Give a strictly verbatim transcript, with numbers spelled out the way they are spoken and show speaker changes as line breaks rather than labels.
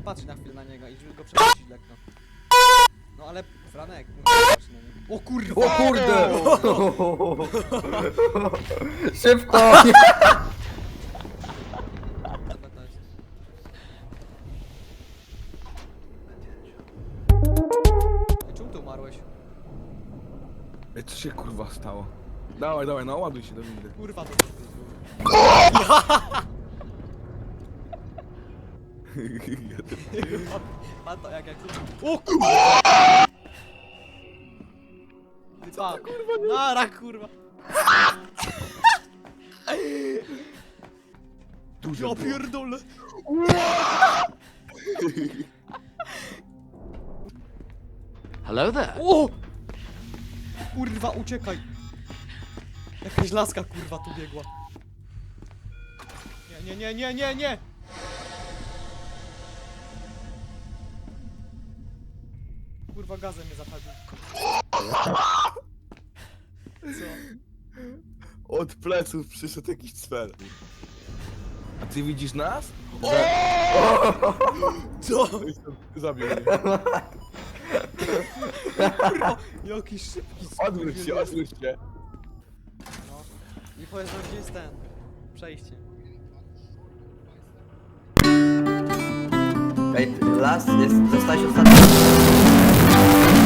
patrzeć na chwilę na niego i żeby go przepuścić lekko. No ale Franek, mówię, patrz na niego. O kurwa!
O kurde! Szybko!
Dobra, to jest. Ej, czemu ty umarłeś?
Ej, co się kurwa stało? Dawaj, dawaj, no ładuj się do windy.
Kurwa to pan to jak jak... O kurwa! Ty pa! Nara kurwa!
Dużo
Ja
było.
pierdolę!
Hello there.
O! Kurwa, uciekaj! Jakaś laska kurwa tu biegła. Nie, nie, nie, nie, nie, nie! Kurwa, gazem mnie zapadł. Co?
Od pleców przyszedł jakiś cwer. A ty widzisz nas?
Co?
Zabił mnie.
Kurwa, jakiś szybki
Odwróć się, odwróć się.
No. I powiedz nam, gdzie jest ten przejście.
Ej, las jest, zostałeś ostatni.